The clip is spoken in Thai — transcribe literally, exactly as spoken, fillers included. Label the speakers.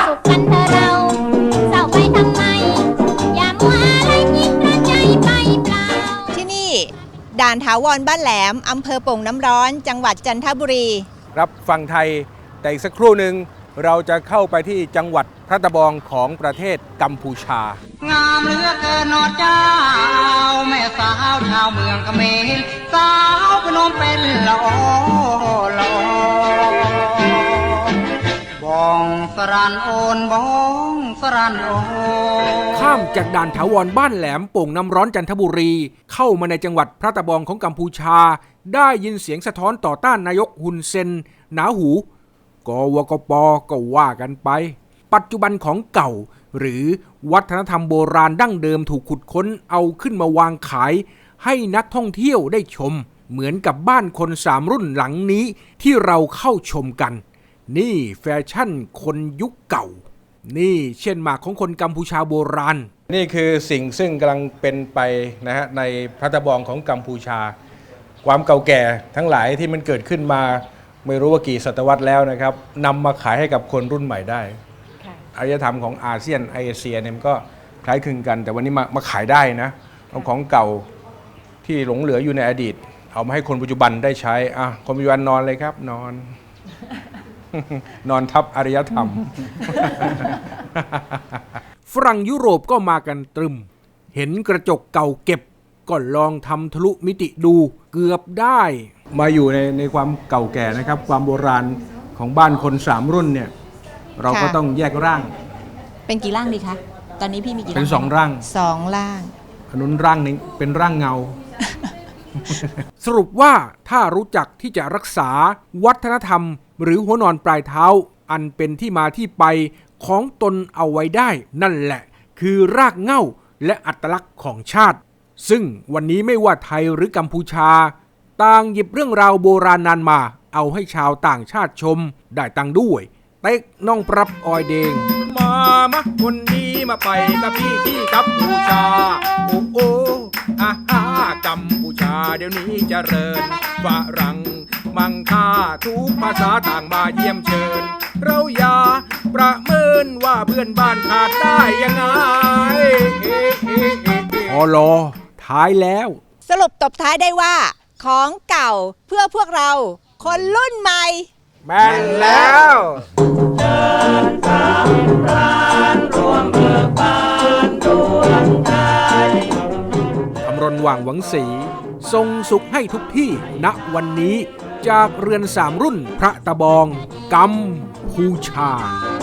Speaker 1: สุขกันเถอะเราเศร้าไปทำไมอย่ามัวอะไรคิดระใจไปเปล่าที่นี่ด่านถาวรบ้านแหลมอำเภอโป่งน้ำร้อนจังหวัดจันทบุรี
Speaker 2: รับฟังไทยแต่อีกสักครู่หนึ่งเราจะเข้าไปที่จังหวัดพระตะบองของประเทศกัมพูชาง
Speaker 3: ามเหลือเกินนอเจ้าแม่สาวชาวเมืองเขมรสาวพนมเป็นละอละบองสรันโอนบองสรันโอ
Speaker 4: ข้ามจากด่านถาวรบ้านแหลมโป่งน้ำร้อนจันทบุรีเข้ามาในจังหวัดพระตะบองของกัมพูชาได้ยินเสียงสะท้อนต่อต้านนายกฮุนเซนหนาหูกวกปก็ว่ากันไปปัจจุบันของเก่าหรือวัฒนธรรมโบราณดั้งเดิมถูกขุดค้นเอาขึ้นมาวางขายให้นักท่องเที่ยวได้ชมเหมือนกับบ้านคนสามรุ่นหลังนี้ที่เราเข้าชมกันนี่แฟชั่นคนยุคเก่านี่เช่นหมากของคนกัมพูชาโบราณ
Speaker 2: นี่คือสิ่งซึ่งกำลังเป็นไปนะฮะในพระตะบองของกัมพูชาความเก่าแก่ทั้งหลายที่มันเกิดขึ้นมาไม่รู้ว่ากี่ศตวรรษแล้วนะครับนำมาขายให้กับคนรุ่นใหม่ได้อารยธรรมของอาเซียนเอเชียเนี่ยมันก็คล้ายคลึงกันแต่วันนี้มามาขายได้นะเอาของเก่าที่หลงเหลืออยู่ในอดีตเอามาให้คนปัจจุบันได้ใช้อ่ะคนปัจจุบันนอนเลยครับนอน นอนทับอารยธรรม
Speaker 4: ฝรั่งยุโรปก็มากันตรึมเห็นกระจกเก่าเก็บก็ลองทำทะลุมิติดูเกือบได้
Speaker 2: มาอยู่ในในความเก่าแก่นะครับความโบราณของบ้านคนสามรุ่นเนี่ยเราก็ต้องแยกร่าง
Speaker 1: เป็นกี่ร่างดีคะตอนนี้พี่มีกี่ร่าง
Speaker 2: เป็นสองร่าง
Speaker 1: สองร่าง
Speaker 2: อันนู้นร่างนึงเป็นร่างเงา
Speaker 4: สรุปว่าถ้ารู้จักที่จะรักษาวัฒนธรรมหรือหัวนอนปลายเท้าอันเป็นที่มาที่ไปของตนเอาไว้ได้นั่นแหละคือรากเหง้าและอัตลักษณ์ของชาติซึ่งวันนี้ไม่ว่าไทยหรือกัมพูชาต่างหยิบเรื่องราวโบราณนานมาเอาให้ชาวต่างชาติชมได้ตังด้วยเต็กน้องปรับออยเดงมามะคนดีมาไปกับพี่ที่กัมพูชาโอ้โอ้อาฮากัมพูชาเดี๋ยวนี้เจริญฝรั่งมังค่าทุกภาษาต่างมาเยี่ยมเชิญเราอย่าประเมินว่าเพื่อนบ้านขาดได้ยังไงพอรอท้ายแล้ว
Speaker 1: สรุปตบท้ายได้ว่าของเก่าเพื่อพวกเราคนรุ่นใหม่
Speaker 2: แม่นแล้ว
Speaker 3: เดินตามร้านรวมเบิกบานดวงใจ
Speaker 4: อำรณว่างหวังศรีทรงสุขให้ทุกที่ณวันนี้จากเรือนสามรุ่นพระตะบองกัมพูชา